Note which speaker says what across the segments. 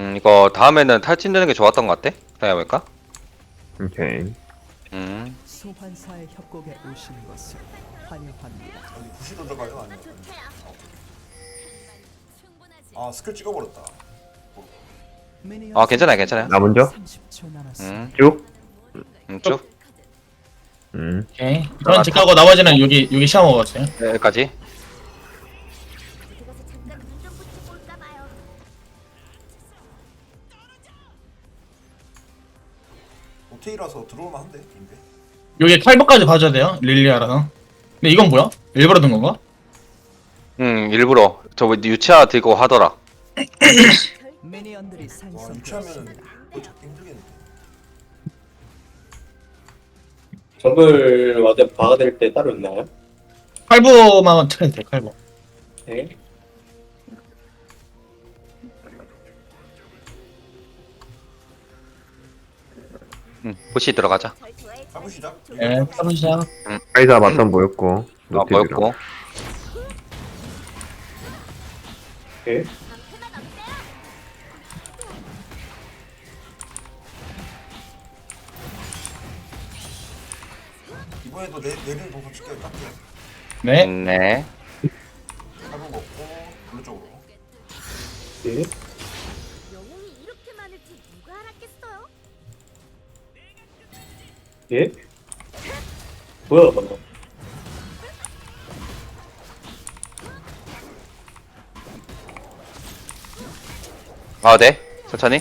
Speaker 1: 이거 다음에는 탈진되는 게 좋았던 것 같아? 생각해보니까.
Speaker 2: 오케이.
Speaker 3: 소환사의 협곡에 오신 것을 환영합니다.
Speaker 4: 여기 부시로 들어가요? 아니면 아 스킬 찍어버렸다.
Speaker 1: 아, 괜찮아요, 괜찮아요.
Speaker 2: 나 먼저?
Speaker 3: 30초 남았습니다.
Speaker 2: 쭉.
Speaker 1: 쭉.
Speaker 5: 오케이. 저는 집 가고 나머지는 여기 시험 먹었어요.
Speaker 1: 네, 여기까지.
Speaker 4: 오테이라서 들어올만 한데 인데.
Speaker 5: 여기 칼버까지 봐줘야 돼요. 릴리아라서. 근데 이건 뭐야? 일부러 든 건가?
Speaker 1: 일부러. 저거 유치아 들고 하더라.
Speaker 3: 미니언들이
Speaker 4: 와 유치하면은
Speaker 3: 생성되었습니다.
Speaker 4: 그거 잡기 힘들겠는데.
Speaker 6: 정글 와드 박아드릴 때 따로 있나요?
Speaker 5: 칼부만 트레이드 돼, 칼부.
Speaker 6: 네.
Speaker 1: 부시 들어가자.
Speaker 4: 가보시자.
Speaker 5: 네, 칼부 시작.
Speaker 2: 카이사 맞던 보였고.
Speaker 1: 아,
Speaker 2: 노티드랑.
Speaker 1: 보였고.
Speaker 6: 네.
Speaker 4: 이번에도 내리는 동선 칠게요. 깎게요.
Speaker 5: 네.
Speaker 1: 네.
Speaker 4: 칼부 먹고 블루 쪽으로.
Speaker 6: 네.
Speaker 7: 영웅이 이렇게 많을지 누가 알았겠어요?
Speaker 6: 예? 뭐야 방금?
Speaker 1: 아, 네. 천천히.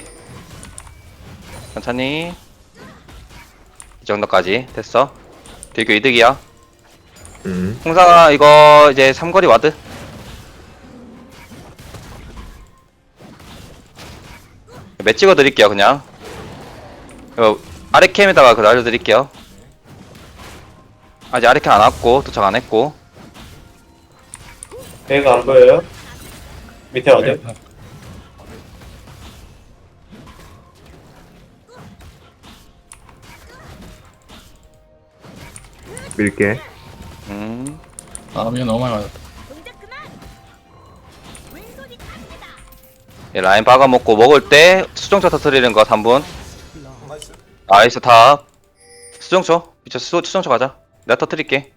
Speaker 1: 천천히. 이 정도까지 됐어. 되게 이득이야. 홍상아, 이거 이제 삼거리 와드. 맷 찍어 드릴게요, 그냥. 이거 아래 캠에다가 그거 알려드릴게요. 아직 아래 캠 안 왔고, 도착 안 했고.
Speaker 6: 배가 안 보여요? 밑에 와드?
Speaker 2: 밀게.
Speaker 5: 아, 미안 너무 많이 맞았다.
Speaker 7: 동작 그만! 왼손이 갑니다!
Speaker 1: 예, 라인 박아먹고 먹을 때 수정초 터트리는 거 3분.
Speaker 4: 나이스.
Speaker 1: 나이스 탑. 수정초. 미쳐 수정초 가자. 내가 터트릴게.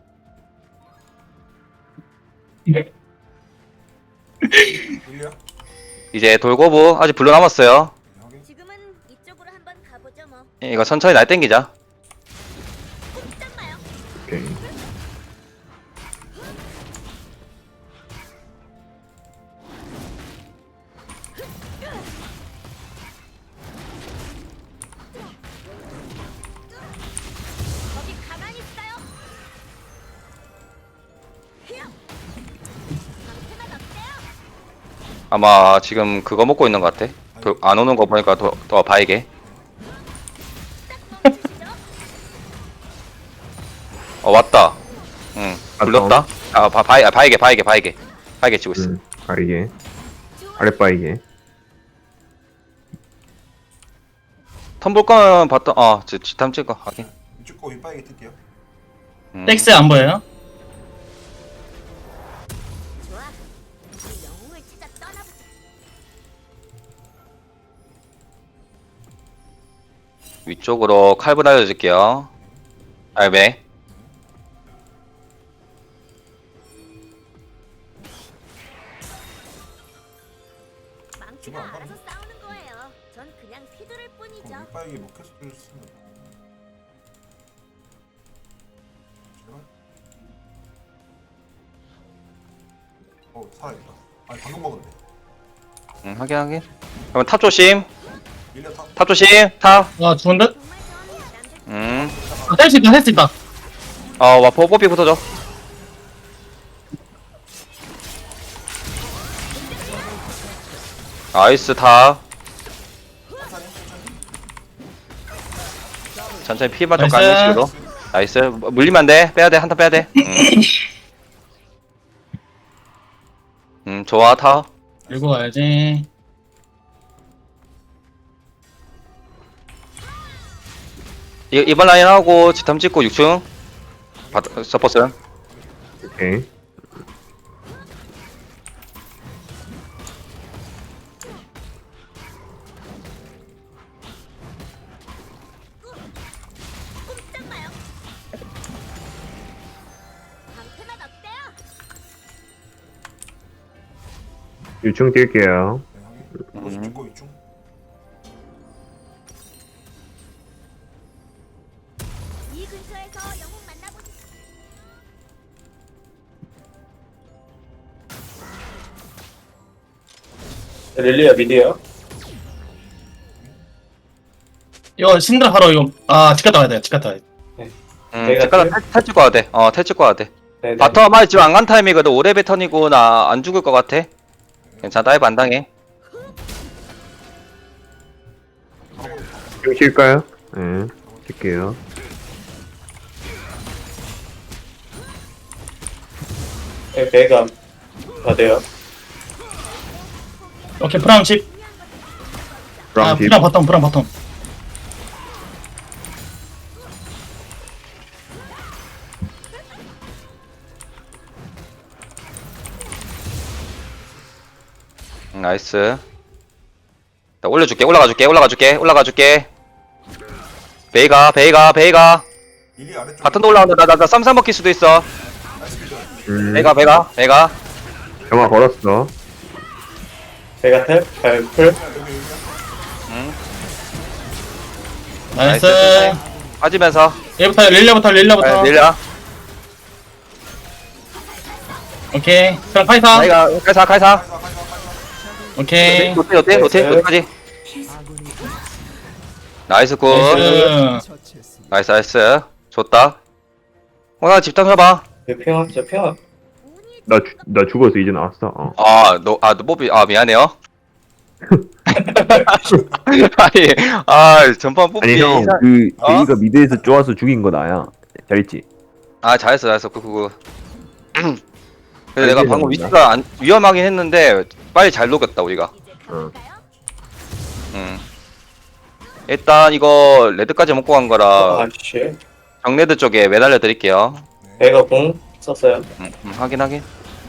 Speaker 4: 밀려.
Speaker 1: 이제 돌고부 아직 블루 남았어요.
Speaker 4: 확인.
Speaker 7: 지금은 이쪽으로 한번 가보죠 뭐.
Speaker 1: 예, 이거 천천히 날 땡기자.
Speaker 7: 꼼짝 마요.
Speaker 2: 오케이.
Speaker 7: 거기 가만히 있어요. 히어! 상태만 어때요?
Speaker 1: 아마 지금 그거 먹고 있는 것 같아. 안 오는 거 보니까 더 봐이게.
Speaker 7: 딱 멈추시죠.
Speaker 1: 왔다. 응. 불렀다. 바이게 치고 있어.
Speaker 2: 바이게. 아랫바이게.
Speaker 1: 턴 볼 거면 봤다. 지탐 찍어. 하긴.
Speaker 4: 이쪽 거 윗바이게 뜰게요.
Speaker 5: 텍스 안 보여요?
Speaker 7: 좋아. 이제 영웅을 찾아 떠나보자.
Speaker 1: 위쪽으로 칼부 날려줄게요. 알베.
Speaker 7: 망치가 알아서 싸우는 거예요. 전 그냥 휘두를 뿐이죠.
Speaker 4: 그럼 윗바이게 뭐 계속 뜰 수 있는. 제발. 살아있다. 아니 방금 먹었네.
Speaker 1: 확인. 그러면 탑 조심.
Speaker 4: 밀려 타.
Speaker 1: 탑 조심. 탑.
Speaker 5: 아, 좋은 듯?
Speaker 7: 정말 전 남들
Speaker 5: 아, 뗄 수 있다, 뗄 수 있다.
Speaker 1: 와, 뽀삐 붙어줘. 나이스 탑. 천천히 피만 좀
Speaker 5: 나이스.
Speaker 1: 까는 식으로. 나이스. 물리면 안 돼. 빼야 돼. 한턴 빼야 돼. 좋아, 타.
Speaker 5: 들고 가야지.
Speaker 1: 이번 라인 하고 지탐 찍고 6층. 서포스.
Speaker 2: 오케이. 유충 뛸게요.
Speaker 4: 네, 확인. 이거 죽고 있중.
Speaker 7: 이 근처에서 영웅 만나보지.
Speaker 6: 릴리아 미드요.
Speaker 5: 이거 신드라 바로 이거 집 갔다 와야 집 갔다 와야 돼.
Speaker 6: 내가
Speaker 1: 잠깐 탈 찍고 와야 돼. 탈 찍고 와야 돼.
Speaker 6: 네네.
Speaker 1: 바텀 아직 지금 안 간 타임이거든. 5레벨 턴이고 나 안 죽을 것 같아. 괜찮아, 다이브 안 당해.
Speaker 2: 좀 쉴까요? 네. 쉴게요.
Speaker 6: 배가 다 돼요.
Speaker 5: 오케이 프랑 집.
Speaker 2: 브라운 집.
Speaker 5: 프랑 바텀.
Speaker 1: 나이스. 나 올려줄게. 올라가줄게. 베이가.
Speaker 4: 릴리 아래쪽.
Speaker 1: 바텀도 올라온다. 나 쌈싸 먹힐 수도 있어.
Speaker 4: 나이스 빌드.
Speaker 1: 베이가.
Speaker 2: 점화 걸었어.
Speaker 6: 배가 탭, 풀.
Speaker 4: 여기 여기.
Speaker 5: 나이스.
Speaker 1: 빠지면서.
Speaker 5: 얘부터 릴리아부터.
Speaker 1: 릴라.
Speaker 5: 오케이. 그럼 카이사.
Speaker 1: 베이가. 카이사.
Speaker 5: 오케이.
Speaker 1: 노ቴ까지. 나이스 굿.
Speaker 5: 나이스.
Speaker 3: 처치했습니다.
Speaker 1: 나이스. 좋다. 나 집탐 해봐.
Speaker 6: 평화, 진짜 평화.
Speaker 2: 나 죽어서 이제 나왔어.
Speaker 1: 너 뽀삐, 미안해요. 아니, 전판 뽀삐.
Speaker 2: 아니 형, 그
Speaker 1: 어?
Speaker 2: 제이가 미드에서 쪼아서 죽인 거 나야. 잘했지?
Speaker 1: 잘했어. 그거. 근데
Speaker 2: 잘
Speaker 1: 내가
Speaker 2: 되는
Speaker 1: 방금
Speaker 2: 건가?
Speaker 1: 위치가 위험하긴 했는데, 빨리 잘 녹였다, 우리가.
Speaker 7: 이제
Speaker 2: 어.
Speaker 7: 가볼까요?
Speaker 1: 일단, 이거, 레드까지 먹고 간 거라,
Speaker 6: 아씨.
Speaker 1: 정레드 쪽에 매달려 드릴게요.
Speaker 6: 배가 공 썼어요.
Speaker 1: 확인.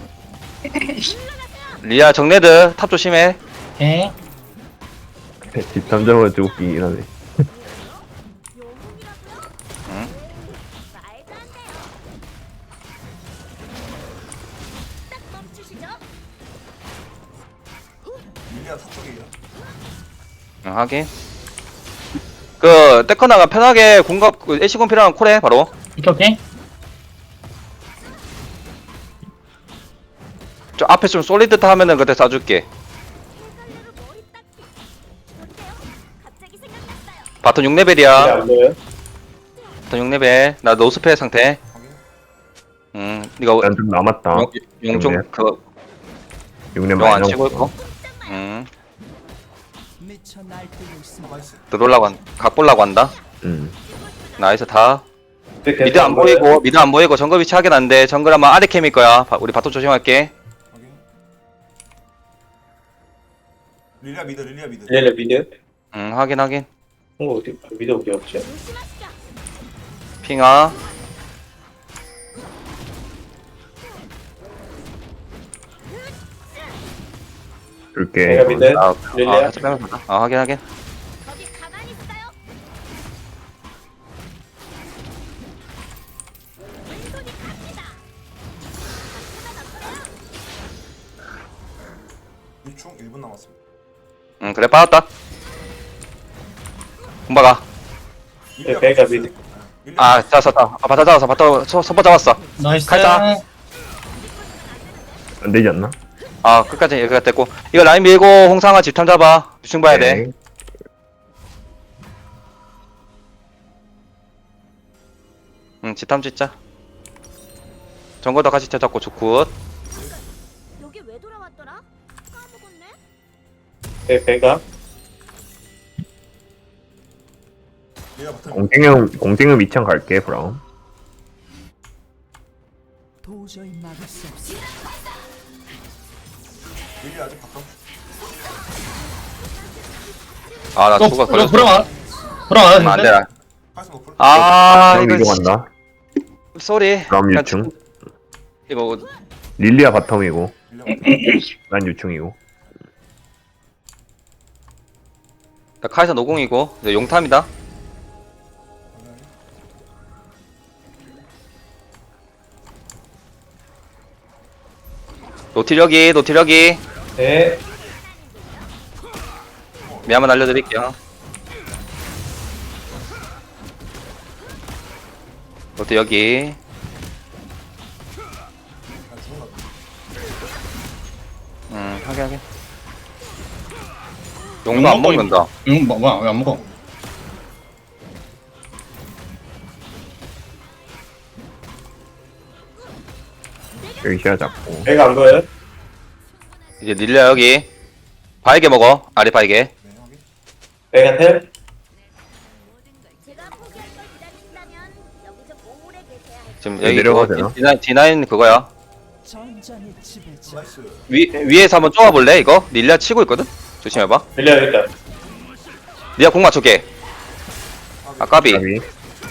Speaker 1: 리아, 정레드, 탑 조심해.
Speaker 5: 오케이.
Speaker 2: 집 탐정은 좀 웃기긴 하네.
Speaker 7: 영웅이라고요?
Speaker 1: 응?
Speaker 7: 말도 안 돼요. 딱 멈추시죠.
Speaker 4: 릴리아 탑쪽이에요.
Speaker 1: 확인. 테커나가 편하게 애쉬공 필요한 콜해, 바로.
Speaker 5: 오케이.
Speaker 1: 저 앞에 좀 솔리드 하면은 그때 쏴줄게.
Speaker 7: 헷갈려로 머리 닦기. 어때요? 갑자기 생각났어요.
Speaker 1: 바텀
Speaker 6: 릴리
Speaker 1: 6레벨이야.
Speaker 6: 안 보여요?
Speaker 1: 바텀 6레벨. 나 노스페 상태.
Speaker 4: 확인.
Speaker 1: 이거
Speaker 2: 난 좀 남았다.
Speaker 1: 용좀
Speaker 2: 육렙.
Speaker 1: 그
Speaker 2: 6년
Speaker 1: 용 안
Speaker 2: 많이
Speaker 1: 치고
Speaker 2: 남았어.
Speaker 1: 있고.
Speaker 3: 미쳐 날뛰고 있습니다.
Speaker 4: 나이스.
Speaker 1: 각 볼라고 한다. 나이스 다. 미드 안 보이고 정글 위치 확인 안 돼. 정글 아마 아래 캠일 거야. 우리 바텀 조심할게.
Speaker 4: 확인. 릴리아 미드.
Speaker 6: 릴리아 미드.
Speaker 1: 확인.
Speaker 6: 어디, 미드 어디 없지?
Speaker 7: 조심하시죠.
Speaker 1: 핑아.
Speaker 2: 줄게.
Speaker 6: 배가 미드. 릴리아.
Speaker 1: 살짝 빼면서 가자. 확인.
Speaker 7: 거기 가만히 있어요. 왼손이 갑니다.
Speaker 4: 유충 1분 남았습니다.
Speaker 1: 그래 빠졌다. 공박아.
Speaker 4: 릴리아
Speaker 6: 배가
Speaker 4: 붙였어요.
Speaker 6: 미드.
Speaker 4: 네, 릴리아
Speaker 1: 잡았다. 바텀 잡았어. 바텀 선보 잡았어.
Speaker 5: 나이스.
Speaker 1: 가자.
Speaker 2: 안 되지 않나?
Speaker 1: 끝까지 여기가 됐고. 이거 라인 밀고 홍상아 집탐 잡아. 유충 봐야 돼. 집탐 짓자. 정거도 같이 잡고 좋굿.
Speaker 7: 여기 왜 돌아왔더라? 까먹었네.
Speaker 6: 배가.
Speaker 4: 릴리아 바텀.
Speaker 2: 공생형 미창 갈게, 브라운.
Speaker 3: 도저히 막을 수 없습니다.
Speaker 4: 릴리아 아직 바텀.
Speaker 1: 나 죽어 걸렸어.
Speaker 5: 브랑
Speaker 1: 안 돼.
Speaker 4: 카이스 노플.
Speaker 2: 브라운
Speaker 1: 이거
Speaker 2: 위로 간다.
Speaker 1: 쏘리.
Speaker 2: 브라운 유충.
Speaker 1: 이거
Speaker 2: 릴리아 바텀이고,
Speaker 4: 릴리아 바텀.
Speaker 2: 난 유충이고.
Speaker 1: 카이사 노공이고 이제 용탐이다. 노티력이.
Speaker 6: 네.
Speaker 1: 미 한번 알려드릴게요. 롯데 여기. 하게. 용도 안 먹는다.
Speaker 5: 이거 뭐야? 왜 안 먹어?
Speaker 2: 여기 시야 잡고.
Speaker 6: 배가 안 보여요?
Speaker 1: 이제 닐려 여기. 바이게 먹어. 아래 바이게.
Speaker 6: 배가 텔?
Speaker 7: 제가 포기할 걸 기다리신다면 여기서 오래 계세야 할
Speaker 1: 지금
Speaker 2: 네,
Speaker 1: 여기
Speaker 2: 내려가도
Speaker 1: 그거
Speaker 2: 되나?
Speaker 1: D9 그거야.
Speaker 3: 전장의 지배자.
Speaker 4: 나이스.
Speaker 1: 위에서 한번 쪼아볼래 이거? 닐리아 치고 있거든? 조심해봐.
Speaker 6: 릴리아 일단.
Speaker 1: 닐리아 공 맞춰게. 아까비.
Speaker 2: 여기.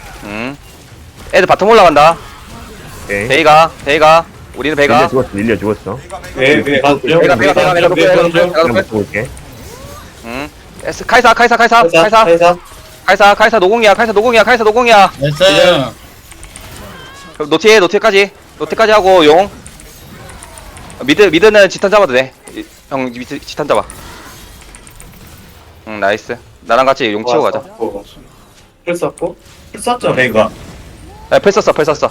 Speaker 1: 애들 바텀 올라간다.
Speaker 2: 오케이.
Speaker 1: 베이가. 우리는
Speaker 2: 릴리아
Speaker 1: 베이가.
Speaker 2: 죽었어. 릴리아 죽었어.
Speaker 6: 네, 네, 가죠.
Speaker 1: 내가
Speaker 6: 네,
Speaker 1: 높여.
Speaker 2: 그냥 먹고 올게.
Speaker 1: 카이사. 카이사 노공이야. 카이사 노공이야.
Speaker 5: 나이스.
Speaker 1: 노티까지 하고 용. 미드는 지탄 잡아도 돼. 형 미드 지탄 잡아. 나이스. 나랑 같이 용 치고 가자.
Speaker 6: 풀 썼고. 풀 썼죠, 배가.
Speaker 1: 풀 썼어.
Speaker 4: 썼어요.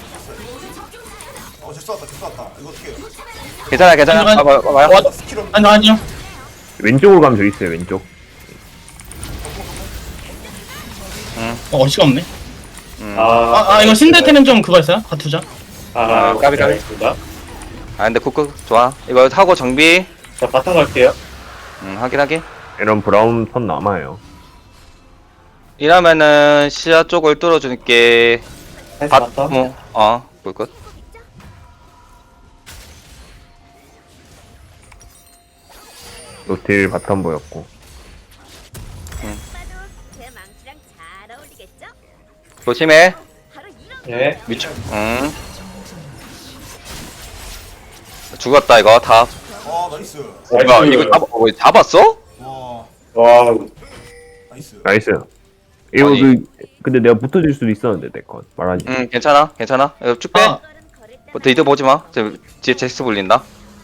Speaker 4: 질 쐈다. 이거 어떻게 해요?
Speaker 1: 괜찮아.
Speaker 5: 잠깐만.
Speaker 1: 봐봐요.
Speaker 4: 스킬 없는
Speaker 5: 아니요.
Speaker 2: 왼쪽으로 가면 저기 있어요. 왼쪽.
Speaker 5: 어시가 없네.
Speaker 6: 아,
Speaker 5: 이거 신데테는 좀 그거 있어요? 가투자.
Speaker 1: 까비.
Speaker 6: 알겠습니다.
Speaker 1: 근데 쿡쿡 좋아. 이거 하고 정비.
Speaker 6: 자, 바탕 갈게요.
Speaker 1: 확인.
Speaker 2: 이런 브라운 선 남아요.
Speaker 1: 이러면은 시야 쪽을 뚫어줄게.
Speaker 6: 해서 바탕.
Speaker 1: 볼 것.
Speaker 2: 노틸 바텀 보였고.
Speaker 7: 봐도 제 망치랑 잘 어울리겠죠?
Speaker 1: 조심해.
Speaker 7: 바로 이런
Speaker 6: 네.
Speaker 1: 미쳐. 죽었다 이거 다.
Speaker 4: 나이스.
Speaker 1: 이거 잡았어?
Speaker 4: 와,
Speaker 6: 와우.
Speaker 4: 나이스.
Speaker 2: 나이스. 이거
Speaker 1: 아니.
Speaker 2: 근데 내가 붙어줄 수도 있었는데 내 건. 말하지.
Speaker 1: 괜찮아. 이거 쭉 빼.
Speaker 5: 아.
Speaker 7: 거는 거를 때
Speaker 1: 이드 보지 마. 뒤에 잭스 불린다.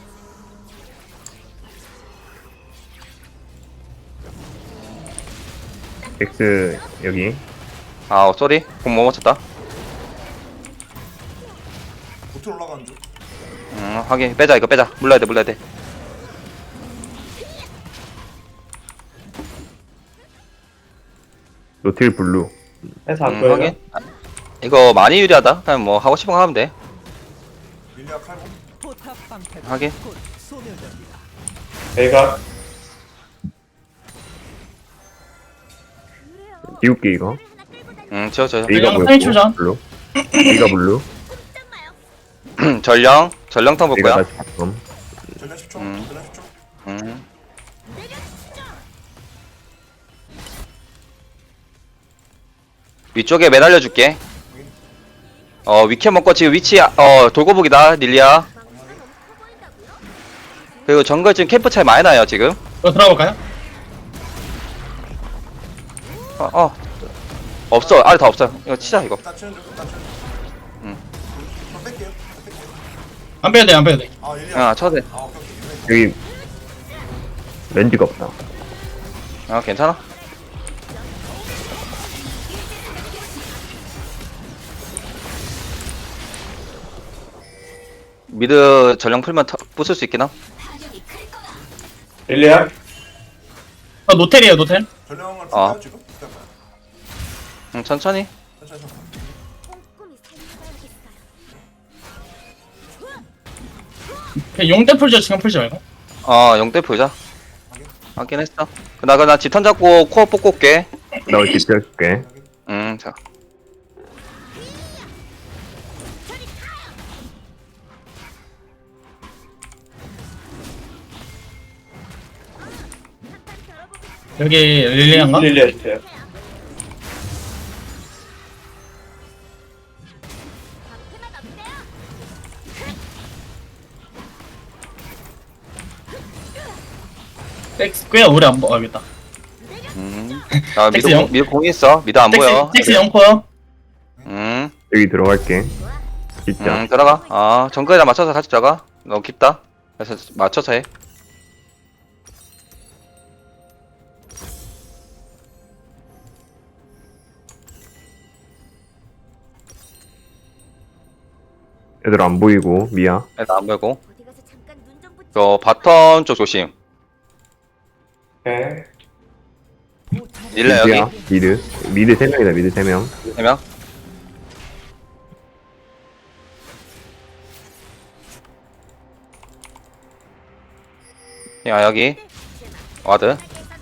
Speaker 2: X 여기.
Speaker 1: 쏘리. 공 못 맞췄다.
Speaker 4: 보트 올라가는 중.
Speaker 1: 확인. 빼자. 물러야 돼.
Speaker 2: 노틸 블루.
Speaker 6: 해서 안 보여요.
Speaker 1: 확인. 이거 많이 유리하다. 그냥 뭐 하고 싶은 거 하면 돼.
Speaker 4: 릴리아 칼고.
Speaker 3: 포탑 방패.
Speaker 1: 하긴.
Speaker 3: 곧 소멸됩니다.
Speaker 6: 배가.
Speaker 7: 그래요.
Speaker 2: 지울게 이거.
Speaker 7: 하나 끌고 다니면
Speaker 1: 지워줘요.
Speaker 2: A가
Speaker 5: 그냥
Speaker 2: 보였고.
Speaker 5: 탈출전.
Speaker 2: 블루. A가 블루.
Speaker 7: 딱 마요.
Speaker 1: 전령탕 볼
Speaker 2: A가
Speaker 1: 거야.
Speaker 2: 다시 바텀.
Speaker 4: 전략 10초.
Speaker 1: 음.
Speaker 4: 전략 10초.
Speaker 1: 위쪽에 매달려 줄게. 위켜 먹고 지금 위치 돌고북이다 닐리아.
Speaker 7: 망치가 너무 커 보인다고요?
Speaker 1: 그리고 정글 지금 캠프 차이 많이 나요 지금.
Speaker 5: 이거 들어가 볼까요?
Speaker 1: 없어. 아래 다 없어요. 이거 치자 이거.
Speaker 4: 일단 치는 중. 그럼 뺄게요.
Speaker 5: 안 빼도 돼.
Speaker 4: 릴리아.
Speaker 1: 쳐도 돼.
Speaker 4: 오케이.
Speaker 2: 여기 렌즈가 없다.
Speaker 1: 괜찮아. 미드 전령 풀면 부술 수 있긴 함.
Speaker 6: 릴리아.
Speaker 5: 노텔이에요, 노텔.
Speaker 4: 전령을 풀까요 지금? 기다려봐요.
Speaker 1: 천천히.
Speaker 4: 천천히.
Speaker 7: 꼼꼼히 살펴봐야겠어요.
Speaker 5: 그냥 용대 풀죠, 지금 풀지 말고.
Speaker 1: 영대 보자. 하긴 했어. 나 지탄 잡고 코어 뽑고 올게.
Speaker 2: 나 집중할게.
Speaker 1: 자.
Speaker 5: 여기 릴리안가?
Speaker 6: 릴리아 주세요.
Speaker 7: 방패만 어때요?
Speaker 5: 꽤 오래 안 보겠다.
Speaker 1: 미드
Speaker 5: 잭스 영.
Speaker 1: 미드 공이 있어. 미드 안 보여.
Speaker 5: 텍스 0코요.
Speaker 2: 여기 들어갈게. 진짜.
Speaker 1: 들어가. 정글에다 맞춰서 같이 들어가. 너무 깊다. 그래서 맞춰서 해.
Speaker 2: 애들 안 보이고 미야.
Speaker 1: 애들 안 보이고.
Speaker 7: 어디 가서 잠깐 눈좀 붙여.
Speaker 1: 저 바텀 쪽 조심.
Speaker 6: 오케이.
Speaker 1: 릴레 여기.
Speaker 2: 미야. 미드 3명이다. 미드 3명.
Speaker 1: 3명. 야 여기. 와드.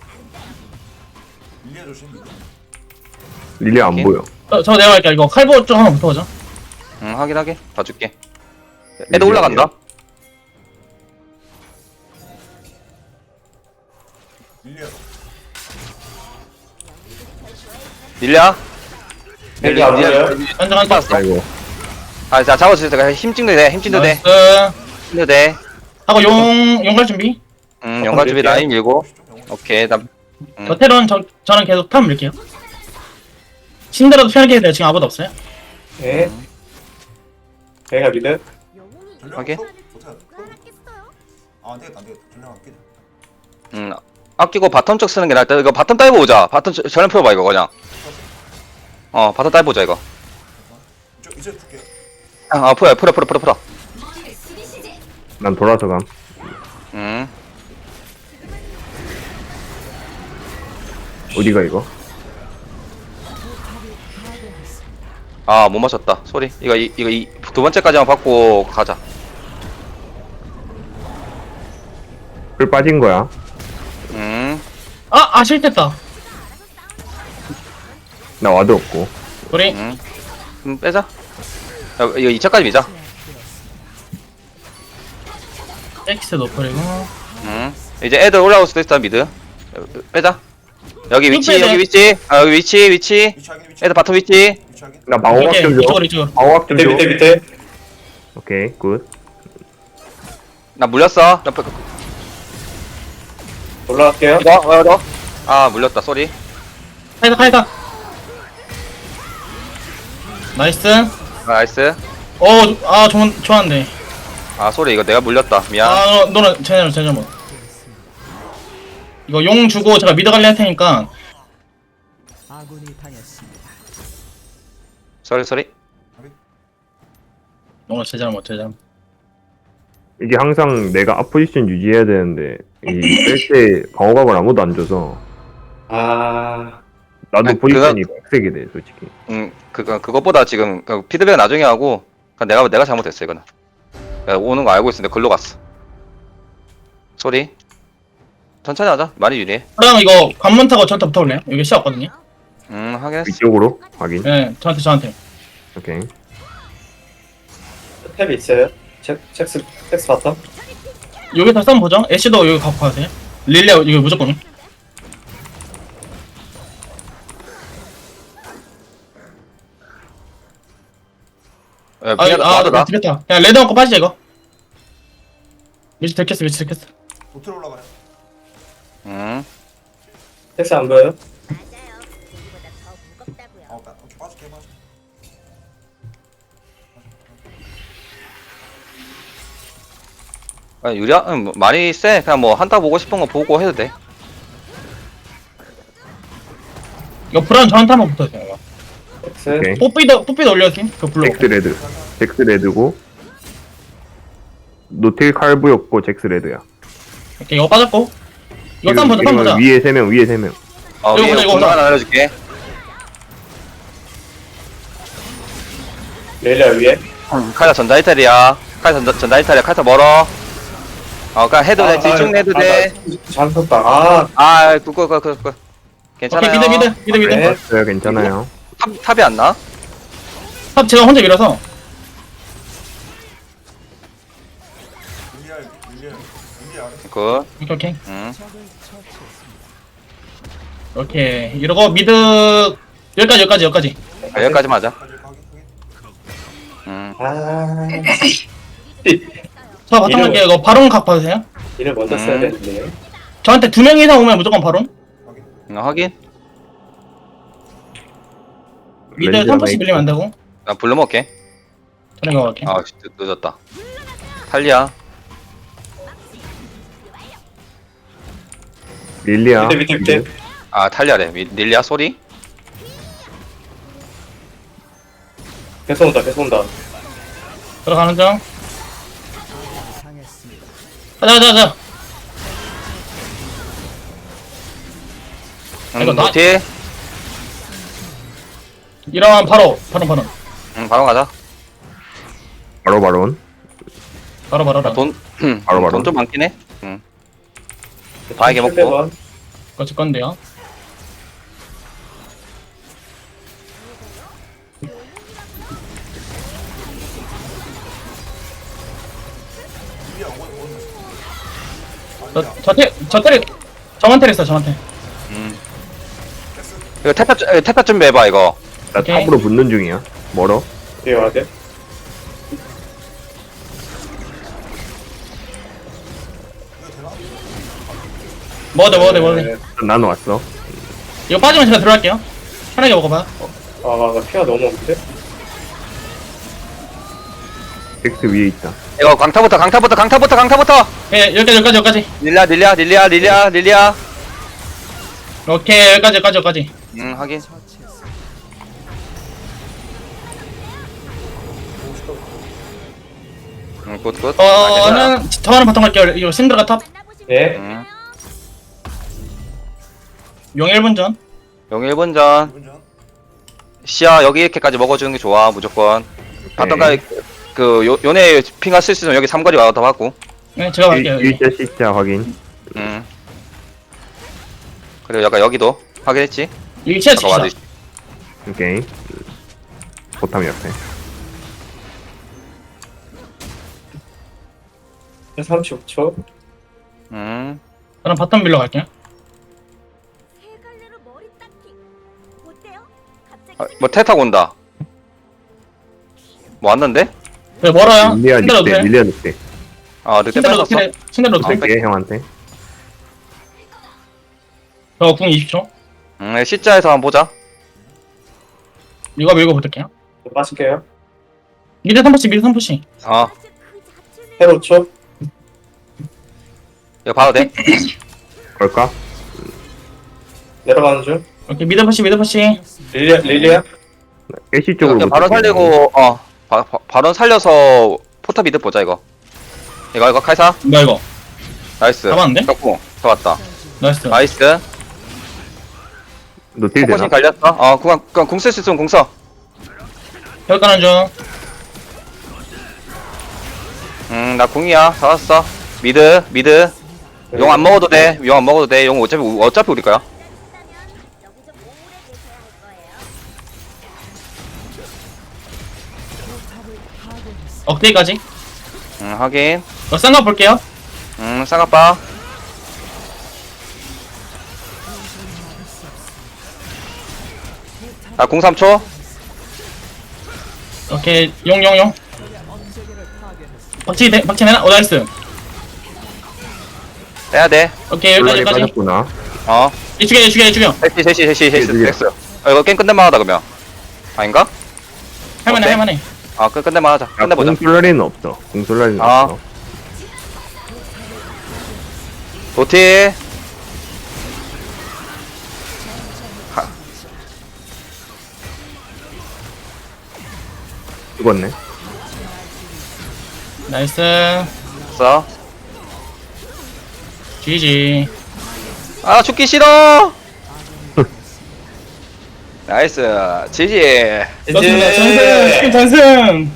Speaker 4: 릴리아 조심.
Speaker 2: 릴리아 안
Speaker 1: 오케이.
Speaker 2: 보여.
Speaker 5: 저 내가 할게. 이거 칼보 좀 하나 붙어보자.
Speaker 1: 응 확인하게. 봐줄게. 애들 올라간다.
Speaker 4: 릴리아.
Speaker 1: 릴리아.
Speaker 6: 릴리아 안 보여요?
Speaker 5: 한장
Speaker 1: 봤어.
Speaker 2: 아이고.
Speaker 1: 아, 자 잡아주세요. 제가 힘 찍도 돼. 힘 찍도 돼.
Speaker 5: 나이스.
Speaker 1: 힘도 돼.
Speaker 5: 하고 용갈 준비.
Speaker 1: 연관 준비 라인 밀고. 오케이. 나.
Speaker 5: 저 테런 저는 계속 탑 밀게요. 신데라도 편하게 해야 돼요. 지금 아무도 없어요.
Speaker 6: 네. 베이가 미드.
Speaker 7: 영웅이
Speaker 4: 전략
Speaker 1: 오케이.
Speaker 4: 없어?
Speaker 7: 누가 알았겠어요?
Speaker 4: 아, 안 되겠다, 안 되겠다. 전략 아끼자.
Speaker 1: 아끼고 바텀 쪽 쓰는 게 낫다. 이거 바텀 따위 보자. 바텀 전면 풀어봐 이거 그냥. 바텀 따위 보자 이거.
Speaker 4: 이제 줄게요.
Speaker 1: 풀어.
Speaker 2: 난 돌아서 감. 어디가 이거?
Speaker 1: 못 맞췄다. 소리. 이거 두 번째까지만 받고 가자.
Speaker 2: 풀 빠진 거야.
Speaker 5: 실패했다.
Speaker 2: 나 와드 없고.
Speaker 5: 우리
Speaker 1: 빼자. 야, 이거 2차까지 미자.
Speaker 5: X 노플이고.
Speaker 1: 이제 애들 올라올 수도 있어 미드. 빼자. 여기 위치,
Speaker 5: 빼자.
Speaker 1: 여기 위치. 여기 위치.
Speaker 4: 위치 확인, 위치.
Speaker 1: 애들 바텀 위치.
Speaker 4: 위치 확인.
Speaker 2: 나 방어막 좀 줘.
Speaker 5: 이쪽으로.
Speaker 2: 방어막 좀
Speaker 6: 밑에
Speaker 2: 줘.
Speaker 6: 밑에.
Speaker 2: 오케이 굿.
Speaker 1: 나 물렸어.
Speaker 6: 올라갈게요.
Speaker 1: 이거. 물렸다. 소리.
Speaker 5: 카이다. 나이스.
Speaker 1: 나이스.
Speaker 5: 좋았는데.
Speaker 1: 소리. 이거 내가 물렸다. 미안.
Speaker 5: 너는 제대로 뭐. 이거 용 주고 제가 미드 관리 할 테니까.
Speaker 3: 아군이 당했습니다.
Speaker 1: 소리.
Speaker 5: 너가 제대로 못.
Speaker 2: 이게 항상 내가 앞포지션 유지해야 되는데 이뺄때 방어각을 아무도 안 줘서
Speaker 6: 아.
Speaker 2: 나도
Speaker 1: 아니,
Speaker 2: 포지션이 빡세게 돼 솔직히.
Speaker 1: 그것보다 지금 피드백 나중에 하고 내가 잘못했어 이거는. 내가 오는 거 알고 있었는데 글로 갔어. 소리. 천천히 하자. 많이 유리해.
Speaker 5: 그럼 이거 관문 타고 저한테 붙어볼래요? 여기 시야 없거든요.
Speaker 1: 확인했어.
Speaker 2: 위쪽으로 확인.
Speaker 5: 네, 저한테.
Speaker 2: 오케이.
Speaker 6: 탭이 있어요. 잭스 바텀.
Speaker 5: 여기 다시 한번 보죠. 애쉬도 여기 갖고 가세요. 릴리아 이거 무조건.
Speaker 1: 미안하다.
Speaker 5: 들켰다. 그냥 레드 먹고 빠지자 이거. 미치 들켰어.
Speaker 4: 도트로 올라가요.
Speaker 6: 잭스 안 보여요?
Speaker 7: 맞아요. 여기보다 더 무겁다고요.
Speaker 4: 오케이, 빠질게.
Speaker 1: 유리야? 뭐 많이 세. 그냥 뭐 한타 보고 싶은 거 보고 해도 돼.
Speaker 5: 이거 브라운 저한테 한번 붙어주세요. 이거.
Speaker 6: 잭스.
Speaker 2: 오케이.
Speaker 5: 뽀삐도 올려주세요. 그 블루.
Speaker 2: 잭스 레드고 노틸 칼부였고 잭스 레드야.
Speaker 5: 오케이, 이거 빠졌고. 이거 쌈 보자.
Speaker 2: 위에 3명 위에 3명.
Speaker 5: 이거
Speaker 1: 위에
Speaker 5: 보자, 이거
Speaker 1: 공간
Speaker 5: 보자.
Speaker 1: 하나 알려줄게.
Speaker 6: 릴리아 위에.
Speaker 1: 카이사 전자이탈이야. 카이사 멀어. 그냥 해도 돼. 집중 해도 돼.
Speaker 6: 잘 섰다.
Speaker 1: 괜찮아요.
Speaker 5: 오케이, 미드.
Speaker 6: 네.
Speaker 2: 맞아요 괜찮아요.
Speaker 1: 탑이 안 나?
Speaker 5: 탑 제가 혼자 밀어서.
Speaker 4: 릴리아 아래.
Speaker 1: 굿.
Speaker 5: 오케이.
Speaker 1: 응.
Speaker 3: 적을 처치했습니다.
Speaker 5: 오케이. 이러고 미드 여기까지.
Speaker 1: 여기까지만 하자.
Speaker 4: 확인.
Speaker 6: 아.
Speaker 5: 자, 바텀 갈게요. 이거 바론 각 봐주세요.
Speaker 6: 이를 먼저 써야 되는데.
Speaker 5: 저한테 2명 이상 오면 무조건 바론.
Speaker 1: 확인.
Speaker 5: 미드
Speaker 2: 렌즈
Speaker 5: 3포씩
Speaker 2: 하나
Speaker 5: 밀리면 안 되고.
Speaker 1: 나 불러 먹게.
Speaker 5: 저는 이거 갈게.
Speaker 1: 늦었다. 탈리아.
Speaker 2: 릴리아.
Speaker 6: 밑에.
Speaker 1: 탈리아래. 릴리아 소리.
Speaker 6: 계속 온다.
Speaker 5: 들어가는 중.
Speaker 3: 당했습니다.
Speaker 5: 가자. 이거 나-
Speaker 1: 노티.
Speaker 5: 이러면 바로.
Speaker 1: 바로 가자.
Speaker 2: 바로 바론.
Speaker 5: 바로.
Speaker 1: 돈,
Speaker 2: 바로.
Speaker 1: 돈 좀 많긴 해. 바에게 먹고.
Speaker 5: 거칠 건데요.
Speaker 4: 준비야 오는.
Speaker 5: 저만 테랬어, 저한테.
Speaker 1: 이거 태파 준비해봐, 이거.
Speaker 2: 나
Speaker 5: 오케이.
Speaker 2: 탑으로 붙는 중이야. 멀어.
Speaker 6: 뒤에 와야 돼.
Speaker 5: 먹어도 돼.
Speaker 2: 일단 나는 왔어.
Speaker 5: 이거 빠지면 제가 들어갈게요. 편하게 먹어봐.
Speaker 6: 나 피가 너무 없는데?
Speaker 2: 덱스 위에 있다.
Speaker 1: 이거 강타부터.
Speaker 5: 예, 여기까지.
Speaker 1: 릴리아.
Speaker 5: 오케이, 여기까지.
Speaker 1: 확인.
Speaker 3: 처치했습니다.
Speaker 1: 굿.
Speaker 5: 더 하는 바텀 갈게요. 이거 신드라가 탑.
Speaker 7: 만나보시면
Speaker 6: 예.
Speaker 7: 되잖아요.
Speaker 5: 용 1분 전.
Speaker 1: 용 1분 전.
Speaker 4: 기분 전.
Speaker 1: 시야 여기 이렇게까지 먹어주는 게 좋아, 무조건. 바텀가, 요네 핑가 쓸 수 있으면 여기 삼거리 와서 더 받고.
Speaker 5: 네, 제가 갈게요. 여기.
Speaker 2: 일자 C자 확인.
Speaker 1: 그리고 약간 여기도 확인했지?
Speaker 5: 여기 치아
Speaker 1: 아까
Speaker 5: 치자.
Speaker 1: 와드.
Speaker 2: 오케이. 보탐 옆에.
Speaker 6: 35초.
Speaker 1: 음.
Speaker 5: 저는 바텀 빌러 갈게요.
Speaker 7: 세 갈래로 머리 닦기. 어때요? 갑자기
Speaker 1: 뭐 태타고 온다. 뭐 왔는데?
Speaker 5: 네, 멀어요.
Speaker 2: 밀리아
Speaker 5: 신드라
Speaker 2: 늑대.
Speaker 5: 노텔.
Speaker 2: 밀리아 늑대.
Speaker 1: 아, 늑대
Speaker 5: 신드라
Speaker 1: 뺏었어?
Speaker 5: 노텔. 신드라 노텔.
Speaker 2: 줄게 형한테.
Speaker 5: 저궁 20초.
Speaker 1: C자에서 한번 보자.
Speaker 5: 이거 밀고 붙을게요.
Speaker 6: 빠질게요.
Speaker 5: 미드 3푸시.
Speaker 1: 어,
Speaker 7: 그 자체는
Speaker 6: 헤로 초.
Speaker 1: 이거 봐도 돼?
Speaker 2: 걸까?
Speaker 6: 내려가는 중.
Speaker 5: 오케이, 미드 푸시.
Speaker 6: 릴리아.
Speaker 2: 애쉬 쪽으로.
Speaker 1: 이거 바로
Speaker 2: 붙을게.
Speaker 1: 살리고, 바로 살려서 포탑 미드 보자, 이거. 이거 카이사?
Speaker 5: 뭐야, 이거?
Speaker 1: 나이스.
Speaker 5: 잡았는데?
Speaker 1: 떴고, 잡았다.
Speaker 5: 나이스.
Speaker 1: 나이스.
Speaker 2: 노틸 되나?
Speaker 1: 포커싱 갈렸어? 궁 쓸 수 있으면 궁 써.
Speaker 5: 여기 가는 중.
Speaker 1: 나 궁이야. 잡았어. 미드. 용 안 먹어도 돼. 용 어차피 우리 거야.
Speaker 7: 기다리신다면 여기서 오래 계셔야 할 거예요.
Speaker 5: 억대기까지.
Speaker 1: 확인.
Speaker 5: 이거 쌍가 볼게요.
Speaker 1: 쌍아빠. 나 궁 3초.
Speaker 5: 오케이, 용. 박치 되나? 나이스.
Speaker 1: 빼야 돼.
Speaker 5: 오케이,
Speaker 2: 논란이
Speaker 5: 여기까지.
Speaker 2: 빠졌구나.
Speaker 5: 얘 죽여.
Speaker 1: 셋이.
Speaker 2: 누구야?
Speaker 1: 됐어. 이거 게임 끝낼만 하다, 그러면. 아닌가? 어때?
Speaker 5: 할만해.
Speaker 1: 끝낼만 하자. 끝내보자.
Speaker 2: 공솔라리는 없어. 공솔라리는
Speaker 1: 아.
Speaker 2: 없어.
Speaker 1: 도티.
Speaker 2: 죽었네.
Speaker 5: 나이스.
Speaker 1: 써.
Speaker 5: GG.
Speaker 1: 아, 죽기 싫어! 나이스. 지지.
Speaker 5: 전승.